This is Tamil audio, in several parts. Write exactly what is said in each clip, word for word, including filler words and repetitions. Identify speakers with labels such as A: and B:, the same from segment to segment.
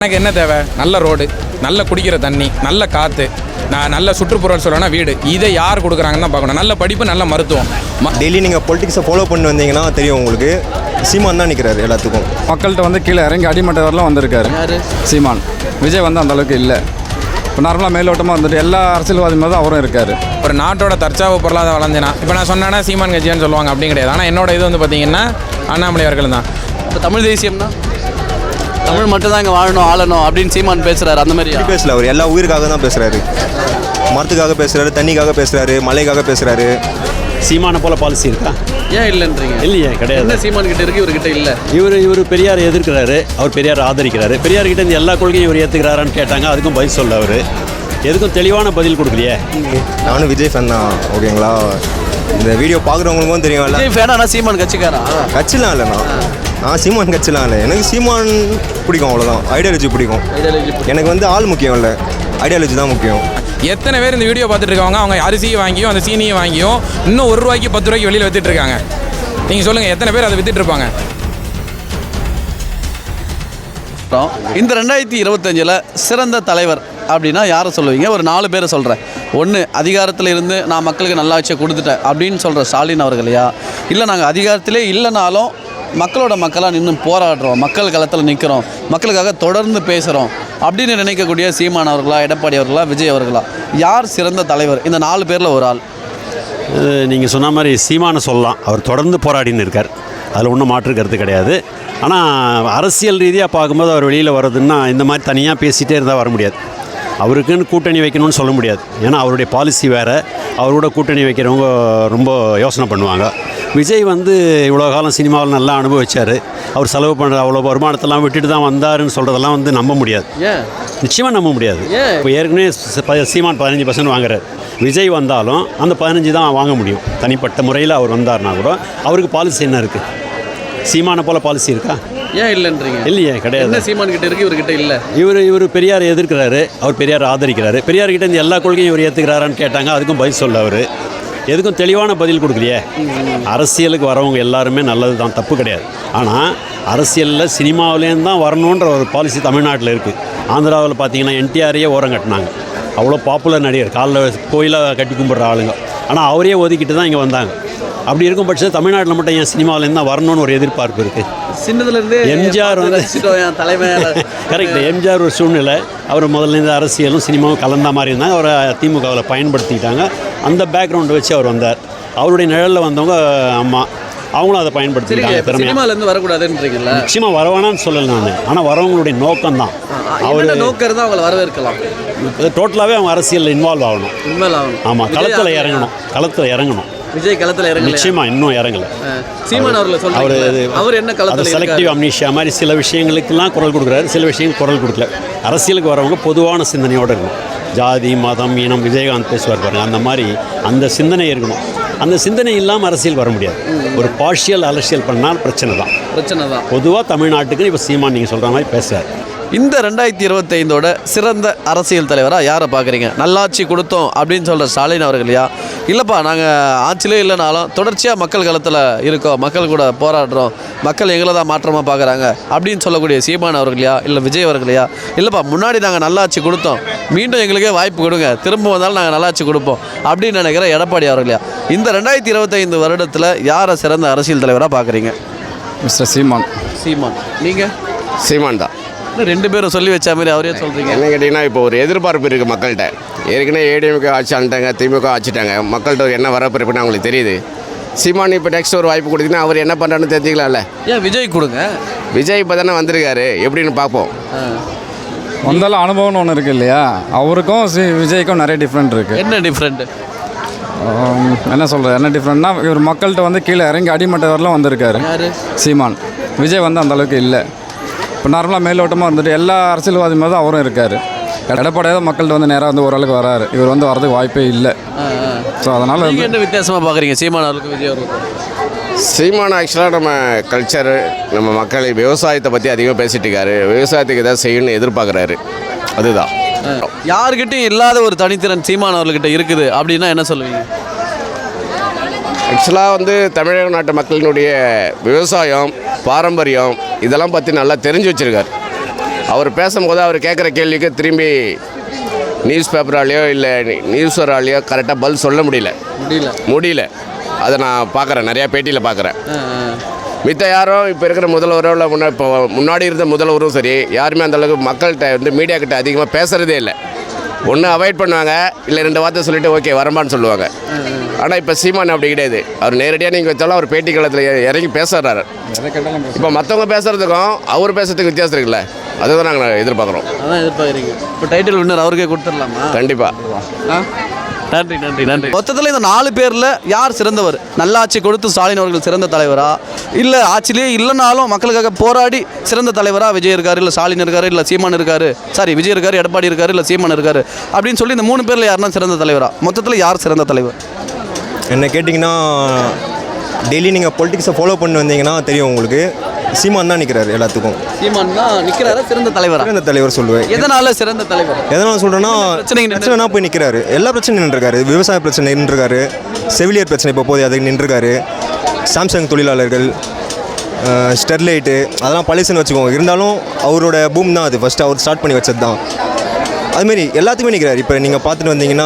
A: எனக்கு என்ன தேவை? நல்ல ரோடு, நல்ல குடிக்கிற தண்ணி, நல்ல காற்று, நான் நல்ல சுற்றுப்புறம் சொல்லணும்னா வீடு. இதை யார் கொடுக்குறாங்கன்னு தான் பார்க்கணும். நல்ல படிப்பு, நல்ல மருத்துவம்.
B: டெய்லி நீங்கள் பொலிட்டிக்ஸை ஃபாலோ பண்ணி வந்தீங்கன்னா தெரியும் உங்களுக்கு. சீமான் தான் நிற்கிறாரு எல்லாத்துக்கும்.
C: மக்கள்கிட்ட வந்து கீழே இறங்கி அடிமட்ட வரலாம் வந்திருக்காரு சீமான். விஜய் வந்து அந்தளவுக்கு இல்லை. இப்போ நார்மலாக மேலோட்டமாக வந்துட்டு எல்லா அரசியல்வாதி மாதிரி தான் அவரும் இருக்கார்.
A: ஒரு நாட்டோட தற்சாவு பொருளாதார வளர்ந்தேனா இப்போ நான் சொன்னேன்னா சீமான் கட்சியான்னு சொல்லுவாங்க. அப்படி கிடையாது. ஆனால் என்னோட இது வந்து பார்த்தீங்கன்னா அண்ணாமலை அவர்கள் தான்.
D: இப்போ தமிழ் தேசியம்னா தமிழ் மட்டும் தான் இங்கே வாழணும் ஆளணும் அப்படின்னு சீமான் பேசுகிறாரு. அந்த மாதிரி
B: பேசல, அவர் எல்லா உயிருக்காக தான் பேசுகிறாரு. மரத்துக்காக பேசுகிறாரு, தண்ணிக்காக பேசுகிறாரு, மலைக்காக பேசுகிறாரு.
E: சீமான போல பாலிசி இருக்கா?
D: ஏன் இல்லைன்றீங்க?
E: இல்லையே, கிடையாது.
D: என்ன சீமான் கிட்ட இருக்கு, இவர்கிட்ட இல்லை?
E: இவர் இவர் பெரியார் எதிர்க்கிறாரு, அவர் பெரியார் ஆதரிக்கிறாரு. பெரியார் கிட்ட இருந்து எல்லா கொள்கையும் இவர் ஏற்றுக்கிறாரான்னு கேட்டாங்க. அதுக்கும் பதில் சொல்ல அவர் எதுக்கும் தெளிவான பதில் கொடுக்கலையே.
B: நானும் விஜய் ஃபேன் தான். ஓகேங்களா? இந்த வீடியோ பார்க்குறவங்களுக்கும் தெரியும்.
D: விஜய் ஃபேனா சீமான் கட்சிக்காரா?
B: கட்சிலாம் இல்லைண்ணா, நான் சீமான் கட்சிலாம் இல்லை. எனக்கு சீமான் பிடிக்கும், அவ்வளோதான். ஐடியாலஜி பிடிக்கும். எனக்கு வந்து ஆள் முக்கியம் இல்லை, ஐடியாலஜி தான் முக்கியம்.
A: எத்தனை பேர் இந்த வீடியோ பார்த்துட்டு இருக்காங்க? அவங்க அரிசியை வாங்கியும் அந்த சீனியை வாங்கியும் இன்னும் ஒரு ரூபாய்க்கு பத்து ரூபாய்க்கு வெளியில் வித்துட்டு இருக்காங்க. நீங்கள் சொல்லுங்கள், எத்தனை பேர் அதை வித்துட்டு இருப்பாங்க?
D: இந்த ரெண்டாயிரத்தி இருபத்தஞ்சில் சிறந்த தலைவர் அப்படின்னா யாரை சொல்லுவீங்க? ஒரு நாலு பேரை சொல்கிறேன். ஒன்று, அதிகாரத்தில் இருந்து நான் மக்களுக்கு நல்லாட்சியை கொடுத்துட்டேன் அப்படின்னு சொல்கிற ஸ்டாலின் அவர்களையா? இல்லை நாங்கள் அதிகாரத்திலே இல்லைனாலும் மக்களோட மக்களாக நின்று போராடுறோம், மக்கள் களத்தில் நிற்கிறோம், மக்களுக்காக தொடர்ந்து பேசுகிறோம் அப்படின்னு நினைக்கக்கூடிய சீமான் அவர்களா, எடப்பாடி அவர்களா, விஜய் அவர்களா? யார் சிறந்த தலைவர்? இந்த நாலு பேரில் ஒரு ஆள்.
E: நீங்கள் சொன்ன மாதிரி சீமானை சொல்லலாம். அவர் தொடர்ந்து போராடின்னு இருக்கார், அதில் ஒன்றும் மாற்று கருத்து கிடையாது. ஆனால் அரசியல் ரீதியாக பார்க்கும்போது அவர் வெளியில் வர்றதுன்னா இந்த மாதிரி தனியாக பேசிகிட்டே இருந்தால் வர முடியாது. அவருக்குன்னு கூட்டணி வைக்கணும்னு சொல்ல முடியாது. ஏன்னா அவருடைய பாலிசி வேறு. அவரோட கூட்டணி வைக்கிறவங்க ரொம்ப யோசனை பண்ணுவாங்க. விஜய் வந்து இவ்வளோ காலம் சினிமாவில் நல்லா அனுபவிச்சார். அவர் செலவு பண்ணுற அவ்வளோ வருமானத்தெல்லாம் விட்டுட்டு தான் வந்தாருன்னு சொல்கிறதெல்லாம் வந்து நம்ப முடியாது. நிச்சயமாக நம்ப முடியாது. இப்போ ஏற்கனவே சீமான் பதினஞ்சு பர்சன்ட் வாங்குறாரு. விஜய் வந்தாலும் அந்த பதினஞ்சு தான் வாங்க முடியும். தனிப்பட்ட முறையில் அவர் வந்தார்னா கூட அவருக்கு பாலிசி என்ன இருக்குது? சீமானை போல் பாலிசி இருக்கா?
D: ஏன் இல்லைன்றீங்க? இல்லையே,
E: கிடையாது.
D: சீமான் கிட்ட இருக்கு, இவர்கிட்ட இல்லை.
E: இவர் இவர் பெரியார் எதிர்க்கிறாரு, அவர் பெரியார் ஆதரிக்கிறாரு. பெரியார் கிட்ட இருந்து எல்லா கொள்கையும் இவர் ஏற்றுக்கிறாரான்னு கேட்டாங்க. அதுக்கும் பதில் சொல்ல அவர் எதுக்கும் தெளிவான பதில் கொடுக்கலையே. அரசியலுக்கு வரவங்க எல்லாருமே நல்லது தான், தப்பு கிடையாது. ஆனால் அரசியலில் சினிமாவிலேருந்து தான் வரணுன்ற ஒரு பாலிசி தமிழ்நாட்டில் இருக்குது. ஆந்திராவில் பார்த்தீங்கன்னா என்டிஆரையே ஓரம் கட்டினாங்க. அவ்வளோ பாப்புலர் நடிகர், காலில் கோயிலாக கட்டி கும்பிட்ற ஆளுங்க. ஆனால் அவரே ஒதுக்கிட்டு தான் இங்கே வந்தாங்க. அப்படி இருக்கும் பட்சத்தில் தமிழ்நாட்டில் மட்டும் ஏன் சினிமாவிலேருந்து தான் வரணும்னு ஒரு எதிர்பார்ப்பு இருக்குது.
D: சின்னதுலேருந்து
E: எம்ஜிஆர் வந்து
D: தலைமை
E: கரெக்ட். எம்ஜிஆர் ஒரு சூழ்நிலை, அவர் முதல்லேருந்து அரசியலும் சினிமாவும் கலந்த மாதிரி இருந்தாங்க. அவரை திமுகவில் பயன்படுத்திக்கிட்டாங்க. அந்த பேக்ரவுண்டை வச்சு அவர் வந்தார். அவருடைய நிழலில் வந்தவங்க அம்மா, அவங்களும் அதை பயன்படுத்திக்கிட்டாங்க.
D: சினிமாலேருந்து வரக்கூடாதுன்றீங்களா?
E: நிச்சயமாக வரவேணான்னு சொல்லலை நான். ஆனால் வரவங்களுடைய நோக்கம் தான்.
D: அவர் நோக்கம் தான் அவங்களை வரவேற்கலாம்.
E: டோட்டலாகவே அவங்க அரசியலில் இன்வால்வ் ஆகணும். இன்வால்வ் ஆகணும். ஆமாம், களத்தில் இறங்கணும். களத்தில் இறங்கணும்.
D: விஜய் களத்தில் இறங்கல.
E: நிச்சயமா இன்னும் இறங்கல.
D: சீமான் அவர்கள் சொல்றாரு, அவர் என்ன களத்தில்
E: செலக்டிவ் அம்னீஷியா மாதிரி சில விஷயங்களுக்கெல்லாம் குரல் கொடுக்குறாரு, சில விஷயங்கள் குரல் கொடுக்கல. அரசியலுக்கு வரவங்க பொதுவான சிந்தனையோடு இருக்கணும். ஜாதி மதம் இனம் விஜயகாந்த் பேசுவார் பாருங்க, அந்த மாதிரி அந்த சிந்தனை இருக்கணும். அந்த சிந்தனை இல்லாமல் அரசியல் வர முடியாது. ஒரு பார்ஷியல் அரசியல் பண்ணால் பிரச்சனை தான் பிரச்சனை தான் பொதுவாக தமிழ்நாட்டுக்கு. இப்போ சீமான் நீங்கள் சொல்கிற மாதிரி பேசுகிறார்.
D: இந்த ரெண்டாயிரத்தி இருபத்தைந்தோட சிறந்த அரசியல் தலைவராக யாரை பார்க்குறீங்க? நல்லாட்சி கொடுத்தோம் அப்படின்னு சொல்கிற ஸ்டாலின் அவர்களையா? இல்லைப்பா நாங்கள் ஆட்சியிலே இல்லைனாலும் தொடர்ச்சியாக மக்கள் களத்தில் இருக்கோம், மக்கள் கூட போராடுறோம், மக்கள் எங்களை தான் மாற்றமாக பார்க்குறாங்க அப்படின்னு சொல்லக்கூடிய சீமான் அவர்களையா? இல்லை விஜய் அவர்களையா? இல்லைப்பா முன்னாடி நாங்கள் நல்லாட்சி கொடுத்தோம், மீண்டும் எங்களுக்கே வாய்ப்பு கொடுங்க, திரும்ப வந்தாலும் நாங்கள் நல்லாட்சி கொடுப்போம் அப்படின்னு நினைக்கிற எடப்பாடி அவர்களையா? இந்த ரெண்டாயிரத்தி இருபத்தைந்து வருடத்தில் யாரை சிறந்த அரசியல் தலைவராக பார்க்குறீங்க?
C: மிஸ்டர் சீமான்.
D: சீமான். நீங்கள்?
F: சீமான் தான்.
D: ரெண்டு பேரும் சொல்லி வச்ச மாதிரி அவரே சொல்கிறீங்க.
F: என்ன கேட்டிங்கன்னா, இப்போ ஒரு எதிர்பார்ப்பு இருக்குது மக்கள்கிட்ட. ஏற்கனவே ஏடிஎம்கே ஆட்சி ஆண்டாங்க, திமுக ஆட்சிட்டாங்க. மக்கள்கிட்ட ஒரு என்ன வரப்பிருப்புன்னு அவங்களுக்கு தெரியுது. சீமான் இப்போ நெக்ஸ்ட் ஒரு வாய்ப்பு கொடுத்தீங்கன்னா அவர் என்ன பண்ணுறான்னு தெரிஞ்சுக்கலாம்ல.
D: ஏன் விஜய் கொடுங்க?
F: விஜய் இப்போ தானே வந்திருக்காரு, எப்படின்னு பார்ப்போம்.
C: வந்தாலும் அனுபவம்னு ஒன்று இருக்குது இல்லையா? அவருக்கும் சி விஜய்க்கும் நிறைய டிஃப்ரெண்ட் இருக்குது.
D: என்ன டிஃப்ரெண்ட்டு?
C: என்ன சொல்கிறது, என்ன டிஃப்ரெண்ட்னா இவர் மக்கள்கிட்ட வந்து கீழே இறங்கி அடிமட்ட வரலாம் வந்திருக்காரு சீமான். விஜய் வந்து அந்தளவுக்கு இல்லை. இப்போ நார்மலாக மேலோட்டமாக இருந்துட்டு எல்லா அரசியல்வாதி மாதிரி தான் அவரும் இருக்கார். எடப்பாடியாக மக்கள்கிட்ட வந்து நேராக வந்து ஓரளவுக்கு வராரு. இவர் வந்து வரதுக்கு வாய்ப்பே இல்லை. ஸோ அதனால்
D: நீங்கள் என்ன வித்தியாசமாக பார்க்குறீங்க சீமான் அவருக்கு விஜய் அவருக்கு?
F: சீமான் ஆக்சுவலாக நம்ம கல்ச்சரு, நம்ம மக்கள் விவசாயத்தை பற்றி அதிகமாக பேசிகிட்டு இருக்காரு. விவசாயத்துக்கு எதாவது செய்யணும்னு எதிர்பார்க்குறாரு. அதுதான்.
D: யாருக்கிட்டையும் இல்லாத ஒரு தனித்திறன் சீமான் அவர்கிட்ட இருக்குது அப்படின்னா என்ன சொல்லுவீங்க?
F: ஆக்சுவலாக வந்து தமிழக நாட்டு மக்களினுடைய விவசாயம், பாரம்பரியம் இதெல்லாம் பற்றி நல்லா தெரிஞ்சு வச்சுருக்கார். அவர் பேசும்போது அவர் கேட்குற கேள்விக்கு திரும்பி நியூஸ் பேப்பராலேயோ இல்லை நியூஸராலேயோ கரெக்டாக பதில் சொல்ல முடியல
D: முடியல
F: முடியல அதை நான் பார்க்குறேன், நிறையா பேட்டியில் பார்க்குறேன். மித்த யாரும் இப்போ இருக்கிற முதல்வரோ இல்லை முன்னா இப்போ முன்னாடி இருந்த முதல்வரும் சரி யாருமே அந்தளவுக்கு மக்கள்கிட்ட வந்து மீடியாக்கிட்ட அதிகமாக பேசுகிறதே இல்லை. ஒன்று அவாய்ட் பண்ணுவாங்க, இல்லை ரெண்டு வார்த்தை சொல்லிவிட்டு ஓகே வரமான்னு சொல்லுவாங்க. ஆனால் இப்போ சீமான் அப்படி கிடையாது. அவர் நேரடியாக நீங்கள் வச்சாலும் அவர் பேட்டி காலத்தில் இறங்கி பேசுகிறாரு. இப்போ மற்றவங்க பேசுகிறதுக்கும் அவர் பேசுறதுக்கு வித்தியாசம் இருக்குல்ல, அதுதான் நாங்கள் எதிர்பார்க்குறோம்.
D: அதான் எதிர்பார்க்குறீங்க. இப்போ டைட்டில் வின்னர் அவருக்கே கொடுத்துடலாமா?
F: கண்டிப்பாக.
D: நன்றி நன்றி நன்றி. மொத்தத்தில் இந்த நாலு பேரில் யார் சிறந்தவர்? நல்லாட்சி கொடுத்து ஸ்டாலின் அவர்கள் சிறந்த தலைவரா, இல்லை ஆட்சியிலே இல்லைனாலும் மக்களுக்காக போராடி சிறந்த தலைவரா விஜய் இருக்காரு, இல்லை ஸ்டாலின் இருக்காரு, இல்லை சீமான் இருக்காரு, சாரி விஜய் இருக்காரு, எடப்பாடி இருக்காரு, இல்லை சீமான் இருக்காரு அப்படின்னு சொல்லி இந்த மூணு பேரில் யாருன்னா சிறந்த தலைவரா? மொத்தத்தில் யார் சிறந்த தலைவர்?
B: என்ன கேட்டிங்கன்னா டெய்லி நீங்கள் பொலிட்டிக்ஸை ஃபாலோ பண்ணி வந்தீங்கன்னா தெரியும் உங்களுக்கு. சீமான் தான் நிற்கிறாரு எல்லாத்துக்கும்.
D: சீமான் தான் நிற்கிறாரா சிறந்த தலைவரா?
B: சிறந்த தலைவர் சொல்லுவேன்.
D: எதனால சிறந்த தலைவர்?
B: எதனால் சொல்கிறேன்னா பிரச்சனைனா போய் நிற்கிறாரு. எல்லா பிரச்சனையும் நின்றுருக்காரு. விவசாய பிரச்சனை நின்றுருக்காரு, செவிலியர் பிரச்சனை இப்போ போதே அதுக்கு நின்றுருக்காரு, சாம்சங் தொழிலாளர்கள், ஸ்டெர்லைட்டு அதெல்லாம் பழசுன்னு வச்சுக்கோங்க. இருந்தாலும் அவரோட பூம் தான் அது, ஃபஸ்ட்டு அவர் ஸ்டார்ட் பண்ணி வச்சது தான். அதுமாரி எல்லாத்துக்குமே நிற்கிறாரு. இப்போ நீங்கள் பார்த்துட்டு வந்தீங்கன்னா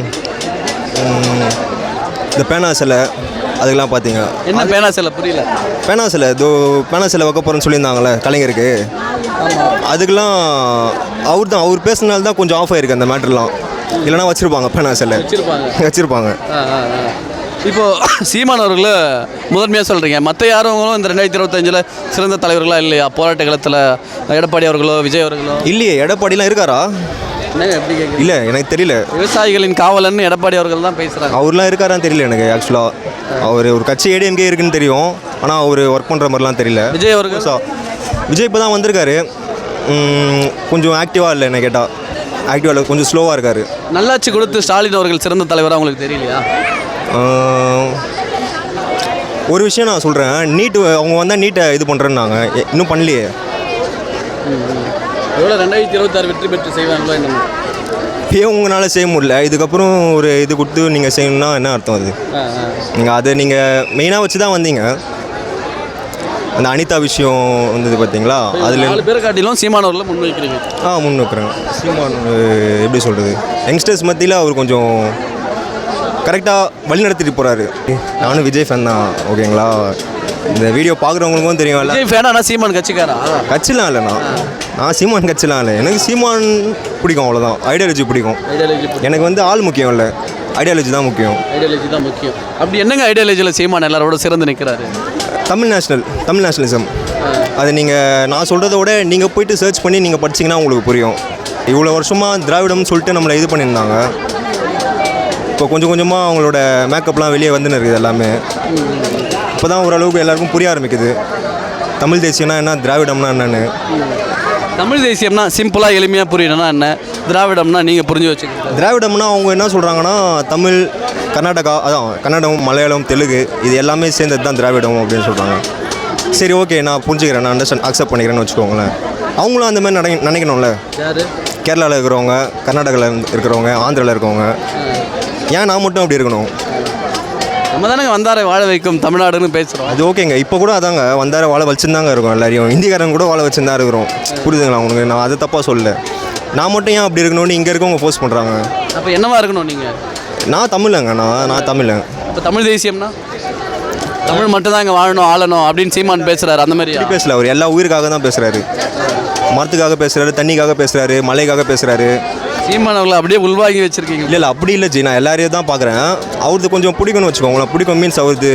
B: இந்த பேனா சிலை அதுக்கெல்லாம் பார்த்தீங்க.
D: என்ன பேனா சிலை? புரியல.
B: பேனா சிலை இதோ பேனா சிலை வைக்க போகிறேன்னு சொல்லியிருந்தாங்களே கலைஞருக்கு, அதுக்கெல்லாம் அவர் தான் அவர் பேசுனால தான் கொஞ்சம் ஆஃப் ஆகிருக்கு அந்த மேட்டர்லாம். இல்லைனா வச்சுருப்பாங்க பேனா சிலை
D: வச்சுருப்பாங்க
B: வச்சுருப்பாங்க
D: இப்போது சீமான் அவர்களை முதன்மையாக சொல்கிறீங்க, மற்ற யாரும் இந்த ரெண்டாயிரத்தி இருபத்தஞ்சில் சிறந்த தலைவர்களாக இல்லையா? போராட்ட காலத்தில் எடப்பாடி அவர்களோ விஜய் அவர்களோ
B: இல்லையே. எடப்பாடிலாம் இருக்காரா?
D: என்னங்க எப்படி கேட்குறீங்க?
B: இல்லை எனக்கு தெரியல.
D: விவசாயிகளின் காவலன்னு எடப்பாடி அவர்கள் தான் பேசுகிறாங்க.
B: அவர்லாம் இருக்காரான்னு தெரியல எனக்கு. ஆக்சுவலாக அவர் ஒரு கட்சி ஏடிஎம்கே இருக்குன்னு தெரியும், ஆனால் அவர் ஒர்க் பண்ணுற மாதிரிலாம் தெரியல.
D: விஜய் அவர்கள்
B: விஜய் இப்போ தான் வந்திருக்காரு, கொஞ்சம் ஆக்டிவாக இல்லை என்ன கேட்டால். ஆக்டிவாக இல்லை, கொஞ்சம் ஸ்லோவாக இருக்கார்.
D: நல்லாட்சி கொடுத்து ஸ்டாலின் அவர்கள் சிறந்த தலைவராக உங்களுக்கு தெரியலையா?
B: ஒரு விஷயம் நான் சொல்கிறேன், நீட்டு அவங்க வந்தால் நீட்டை இது பண்ணுறேன்னாங்க, இன்னும் பண்ணலையே.
D: எவ்வளோ ரெண்டாயிரத்தி இருபத்தாறு வெற்றி பெற்று செய்வாங்களோ என்ன?
B: இப்போயே உங்களால் செய்ய முடியல, இதுக்கப்புறம் ஒரு இது கொடுத்து நீங்கள் செய்யணும்னா என்ன அர்த்தம்? அது நீங்கள் அதை நீங்கள் மெயினாக வச்சு தான் வந்தீங்க. அந்த அனிதா விஷயம் வந்தது பார்த்தீங்களா, அதில்
D: நாலு பேரை காட்டிலும் சீமான் அவர்களை முன் வைக்கிறீங்க.
B: ஆ முன் வைக்கிறேன். சீமான் எப்படி சொல்கிறது, யங்ஸ்டர்ஸ் மத்தியில் அவர் கொஞ்சம் கரெக்டாக வழி நடத்திட்டு போகிறாரு. நானும் விஜய் ஃபேன் தான், ஓகேங்களா? இந்த வீடியோ பார்க்குறவங்களுக்கும் தெரியும்.
D: விஜய் ஃபேனா? சீமான் கட்சிக்காரா?
B: கட்சிலாம் இல்லைண்ணா, நான் சீமான் கட்சிலாம் இல்லை. எனக்கு சீமான் பிடிக்கும், அவ்வளோதான். ஐடியாலஜி பிடிக்கும். எனக்கு வந்து ஆள் முக்கியம் இல்லை, ஐடியாலஜி தான் முக்கியம்.
D: ஐடியாலஜி தான் முக்கியம். அப்படி என்னங்க ஐடியாலஜியில் சீமான் எல்லாரோட சிறந்து நிற்கிறாரு?
B: Tamil national Tamil nationalism. அது நீங்கள் நான் சொல்கிறத விட நீங்கள் போயிட்டு சர்ச் பண்ணி நீங்கள் படிச்சிங்கன்னா உங்களுக்கு புரியும். இவ்வளோ வருஷமாக திராவிடம்னு சொல்லிட்டு நம்மளை இது பண்ணியிருந்தாங்க. இப்போ கொஞ்சம் கொஞ்சமாக அவங்களோட மேக்கப்லாம் வெளியே வந்துன்னு இருக்குது எல்லாமே. இப்போ தான் ஓரளவுக்கு எல்லாருக்கும் புரிய ஆரம்பிக்குது தமிழ் தேசியம்னா என்ன, திராவிடம்னா என்னென்னு.
D: தமிழ் தேசியம்னா சிம்பிளாக எளிமையாக புரியணும்னா என்ன, திராவிடம்னா நீங்கள் புரிஞ்சு வச்சுக்கோங்க.
B: திராவிடம்னா அவங்க என்ன சொல்கிறாங்கன்னா தமிழ், கர்நாடகா, அதான் கன்னடம், மலையாளம், தெலுங்கு இது எல்லாமே சேர்ந்தது தான் திராவிடம் அப்படின்னு சொல்கிறாங்க. சரி ஓகே, நான் புரிஞ்சுக்கிறேன், நான் அண்டர்ஸ்டாண்ட் அக்செப்ட் பண்ணிக்கிறேன்னு வச்சுக்கோங்களேன். அவங்களும் அந்த மாதிரி நினை நினைக்கணும்ல.
D: யார்?
B: கேரளாவில் இருக்கிறவங்க, கர்நாடகாவில் இருக்கிறவங்க, ஆந்திராவில் இருக்கவங்க. ஏன் நான் மட்டும் அப்படி இருக்கணும்?
D: நம்ம தானங்க வந்தாரை வாழ வைக்கும் தமிழ்நாடுன்னு பேசுகிறோம்.
B: அது ஓகேங்க. இப்போ கூட அதாங்க வந்தார வாழ வச்சுருந்தாங்க இருக்கோம் எல்லாரையும். இந்திக்காரங்க கூட வாழ வச்சுருந்தா இருக்கிறோம். புரியுதுங்களா உங்களுக்கு? நான் அதை தப்பாக சொல்லலை. நான் மட்டும் ஏன் அப்படி இருக்கணும்னு இங்கே இருக்கவங்க ஃபோர்ஸ் பண்ணுறாங்க.
D: அப்போ என்னவா இருக்கணும் நீங்கள்?
B: நான் தமிழங்க, நான் நான் தமிழங்க.
D: இப்போ தமிழ் தேசியம்னா தமிழ் மட்டும் தான் இங்கே வாழணும் ஆளணும் அப்படின்னு சீமான் பேசுகிறாரு. அந்த மாதிரி
B: பேசல, அவர் எல்லா உயிருக்காக தான் பேசுகிறாரு. மரத்துக்காக பேசுகிறாரு, தண்ணிக்காக பேசுகிறாரு, மலைக்காக பேசுகிறாரு.
D: சீமான் அவர்களை அப்படியே உள்வாங்கி வச்சுருக்கீங்க.
B: இல்லை இல்லை அப்படி இல்லை ஜி, நான் எல்லாரையும் தான் பார்க்குறேன். அவரது கொஞ்சம் பிடிக்கும்னு வச்சுக்கோங்களேன். பிடிக்கும் மீன்ஸ் அவரது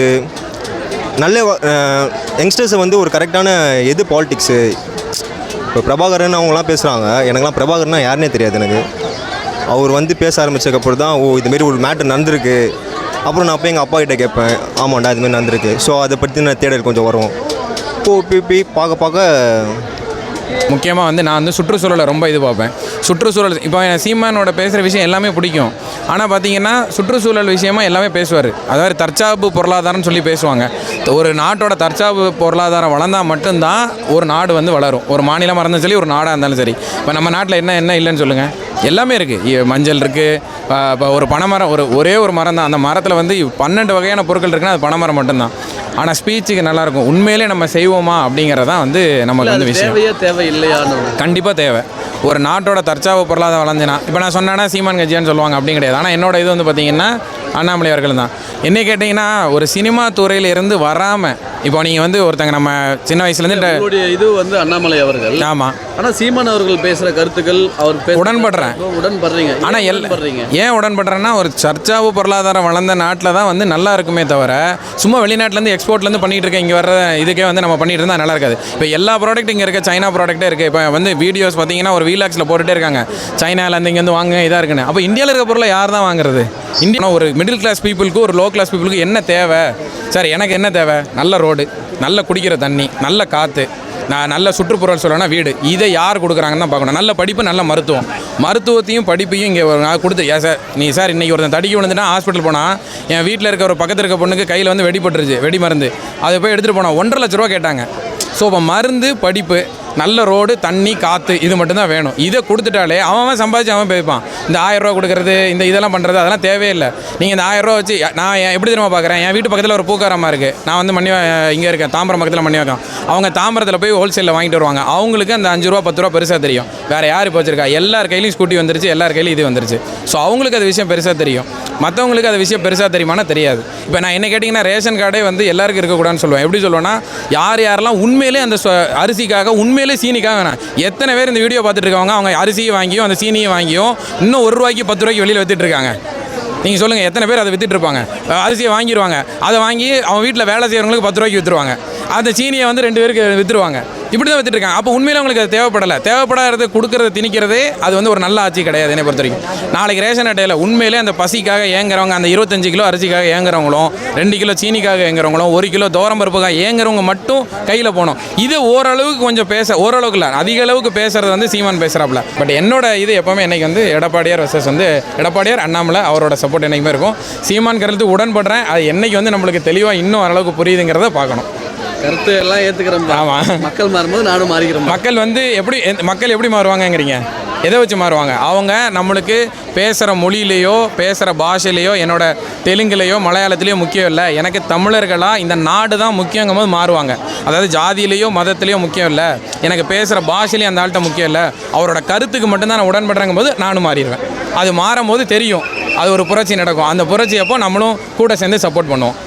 B: நல்ல யங்ஸ்டர்ஸை வந்து ஒரு கரெக்டான எது பாலிட்டிக்ஸு. இப்போ பிரபாகரன் அவங்களாம் பேசுகிறாங்க, எனக்குலாம் பிரபாகரன்னா யாருன்னே தெரியாது எனக்கு. அவர் வந்து பேச ஆரம்பித்ததுக்கப்புறம் தான் ஓ இதுமாரி ஒரு மேட்ரு நடந்திருக்கு. அப்புறம் நான் போய் எங்கள் அப்பா கிட்டே கேட்பேன், ஆமாண்டா இதுமாரி நடந்திருக்கு. ஸோ அதை பற்றி நான் தேடல் கொஞ்சம் வரும். இப்போ போய் பார்க்க பார்க்க
A: முக்கியமாக வந்து நான் வந்து சுற்றுச்சூழலை ரொம்ப இது பார்ப்பேன். சுற்றுச்சூழல் இப்போ சீமானோட பேசுகிற விஷயம் எல்லாமே பிடிக்கும். ஆனால் பார்த்தீங்கன்னா சுற்றுச்சூழல் விஷயமா எல்லாமே பேசுவார். அதாவது தற்சார்பு பொருளாதாரம்னு சொல்லி பேசுவாங்க. ஒரு நாட்டோட தற்சார்பு பொருளாதாரம் வளர்ந்தால் மட்டும்தான் ஒரு நாடு வந்து வளரும். ஒரு மாநிலமாக இருந்தாலும் சரி, ஒரு நாடாக இருந்தாலும் சரி. இப்போ நம்ம நாட்டில் என்ன என்ன இல்லைன்னு சொல்லுங்கள், எல்லாமே இருக்குது. மஞ்சள் இருக்குது, இப்போ ஒரு பனைமரம், ஒரு ஒரே ஒரு மரம் தான். அந்த மரத்தில் வந்து பன்னெண்டு வகையான பொருட்கள் இருக்குன்னா அது பனைமரம் மட்டும்தான். ஆனால் ஸ்பீச்சுக்கு நல்லாயிருக்கும். உண்மையிலே நம்ம செய்வோமா அப்படிங்கிறதான் வந்து நமக்கு வந்து விஷயம்.
D: தேவையே தேவை இல்லையான்னு
A: கண்டிப்பாக தேவை. ஒரு நாட்டோட தற்சார்பு பொருளாதாரம் வளர்ந்துனா இப்போ நான் சொன்னேன்னா சீமான் கட்சியான்னு சொல்லுவாங்க, அப்படி கிடையாது. ஆனால் என்னோட இது வந்து பார்த்திங்கன்னா அண்ணாமலை அவர்கள் தான். என்ன கேட்டிங்கன்னா ஒரு சினிமா துறையில் இருந்து வராமல் இப்போ நீங்கள் வந்து ஒருத்தங்க நம்ம சின்ன வயசுலேருந்து
D: உங்களுடைய இது வந்து அண்ணாமலை அவர்கள்.
A: ஆமாம்.
D: ஆனால் சீமான் அவர்கள் பேசுகிற கருத்துக்கள் அவர் பேச
A: உடன்படுறேன்.
D: உடன்படுறீங்க.
A: ஆனால் எல்
D: உடன்படுறீங்க
A: ஏன் உடன்படுறேன்னா ஒரு சர்ச்சாவு பொருளாதாரம் வளர்ந்த நாட்டில் தான் வந்து நல்லா இருக்குமே தவிர சும்மா வெளிநாட்டிலேருந்து எக்ஸ்போர்ட்லேருந்து பண்ணிகிட்டு இருக்க இங்கே வர இதுக்கே வந்து நம்ம பண்ணிட்டு இருந்தால் நல்லா இருக்காது. இப்போ எல்லா ப்ராடக்ட் இங்கே இருக்க சைனா ப்ராடக்ட்டே இருக்குது. இப்போ வந்து வீடியோஸ் பார்த்தீங்கன்னா ஒரு வீலாக்ஸில் போட்டுகிட்டே இருக்காங்க, சைனாலேருந்து இங்கேருந்து வாங்க இதாக இருக்குன்னு. அப்போ இந்தியாவில் இருக்க பொருளை யார் தான் வாங்குறது? இந்தியா ஒரு மிடில் கிளாஸ் பீப்புளுக்கு ஒரு லோ கிளாஸ் பீப்புளுக்கு என்ன தேவை? சார் எனக்கு என்ன தேவை? நல்ல ரோடு, நல்ல குடிக்கிற தண்ணி, நல்ல காற்று, நான் நல்ல சுற்றுப்புறம் சொல்லணும்னா வீடு. இதை யார் கொடுக்குறாங்கன்னு தான் பார்க்கணும். நல்ல படிப்பு, நல்ல மருத்துவம். மருத்துவத்தையும் படிப்பையும் இங்கே நான் கொடுத்து ஏன் சார் நீ சார் இன்றைக்கி ஒருத்தன் தடிக்கி விழுந்துட்டா ஹாஸ்பிட்டல் போனால் என் வீட்டில் இருக்க ஒரு பக்கத்தில் இருக்க பொண்ணுக்கு கையில் வந்து வெடிப்பட்டுருச்சு, வெடி மருந்து. அதை போய் எடுத்துகிட்டு போனால் ஒன்றரை லட்ச ரூபா கேட்டாங்க. ஸோ இப்போ மருந்து, படிப்பு, நல்ல ரோடு, தண்ணி, காற்று இது மட்டும்தான் வேணும். இதை கொடுத்துட்டாலே அவன் சம்பாதிச்சு அவன் போய்ப்பான். இந்த ஆயிரரூவா கொடுக்குறது, இந்த இதெல்லாம் பண்ணுறது அதெல்லாம் தேவையில்லை. நீங்கள் இந்த ஆயிரரூவா வச்சு நான் எப்படி தெரியுமா பார்க்குறேன், என் வீட்டு பக்கத்தில் ஒரு பூக்காரமாக இருக்குது. நான் வந்து மணி இங்கே இருக்கேன், தாம்பரம் பக்கத்தில் மணி வைக்கேன். அவங்க தாம்பரத்தில் போய் ஹோல்சேலில் வாங்கிட்டு வருவாங்க. அவங்களுக்கு அந்த அஞ்சு ரூபா பத்து ரூபா பெருசாக தெரியும். வேறு யார் இப்போ வச்சிருக்கா? எல்லார் கையிலையும் ஸ்கூட்டி வந்துருச்சு, எல்லார் கையிலையும் இது வந்துருச்சு. ஸோ அவங்களுக்கு அது விஷயம் பெருசாக தெரியும். மற்றவங்களுக்கு அது விஷயம் பெருசாக தெரியுமானா தெரியாது. இப்போ நான் என்ன கேட்டிங்கன்னா ரேஷன் கார்டே வந்து எல்லாருக்கும் இருக்கக்கூடாதுன்னு சொல்லுவேன். எப்படி சொல்லுவேன்னா யார் யாரெல்லாம் உண்மையிலே அந்த அரிசிக்காக உண்மையிலே சீனிக்காக வேணாம். எத்தனை பேர் இந்த வீடியோ பார்த்துட்டு இருக்காங்க அவங்க அரிசியை வாங்கியும் அந்த சீனியை வாங்கியும் இன்னும் ஒரு ரூபாய்க்கு பத்து ரூபாய்க்கு வெளியில் வித்துட்டு இருக்காங்க. நீங்கள் சொல்லுங்கள் எத்தனை பேர் அதை வித்துட்டு இருப்பாங்க? அரிசியை வாங்கிடுவாங்க, அதை வாங்கி அவன் வீட்டில் வேலை செய்கிறவங்களுக்கு பத்து ரூபாய்க்கு விற்றுருவாங்க. அந்த சீனியை வந்து ரெண்டு பேருக்கு விற்றுருவாங்க. இப்படி தான் வித்துட்டு இருக்காங்க. அப்போ உண்மையில அவங்களுக்கு அது தேவைப்படலை. தேவைப்படாத கொடுக்கறது திணிக்கிறதே அது வந்து ஒரு நல்ல ஆட்சி கிடையாது என்னை பொறுத்த வரைக்கும். நாளைக்கு ரேஷன் அட்டையில் உண்மையிலே அந்த பசிக்காக ஏங்குறவங்க, அந்த இருபத்தஞ்சு கிலோ அரிசிக்காக ஏங்குறவங்களும், ரெண்டு கிலோ சீனிக்காக ஏங்குறவங்களும், ஒரு கிலோ தோரம் பருப்புக்காக ஏங்குறவங்க மட்டும் கையில் போகணும். இது ஓரளவுக்கு கொஞ்சம் பேச, ஓரளவுக்கு இல்லை அதிக அளவுக்கு பேசுறது வந்து சீமான் பேசுகிறாப்புல. பட் என்னோட இது எப்போவுமே என்னைக்கு வந்து எடப்பாடியார் வர்சஸ் வந்து எடப்பாடியார் அண்ணாமலை அவரோட சப்போர்ட் என்றைக்குமே இருக்கும். சீமான் கருத்து உடன்படுறேன். அது என்னைக்கு வந்து நம்மளுக்கு தெளிவாக இன்னும் ஓரளவுக்கு புரியுதுங்கிறத பார்க்கணும்.
D: கருத்து எல்லாம் ஏற்றுக்கிறோம்.
A: ஆமாம்.
D: மக்கள் மாறும்போது நானும் மாறிக்கிறோம்.
A: மக்கள் வந்து எப்படி மக்கள் எப்படி மாறுவாங்கங்கிறீங்க? எதை வச்சு மாறுவாங்க? அவங்க நம்மளுக்கு பேசுகிற மொழியிலையோ பேசுகிற பாஷையிலையோ என்னோட தெலுங்குலையோ மலையாளத்துலேயோ முக்கியம் இல்லை, எனக்கு தமிழர்களாக இந்த நாடு தான் முக்கியங்கும் போது மாறுவாங்க. அதாவது ஜாதியிலையோ மதத்துலேயோ முக்கியம் இல்லை, எனக்கு பேசுகிற பாஷையிலையும் அந்த ஆள்கிட்ட முக்கியம் இல்லை, அவரோட கருத்துக்கு மட்டும்தான் நான் உடன்படுறங்கும் போது நானும் மாறிடுவேன். அது மாறும் போது தெரியும் அது ஒரு புரட்சி நடக்கும். அந்த புரட்சி அப்போ நம்மளும் கூட சேர்ந்து சப்போர்ட் பண்ணுவோம்.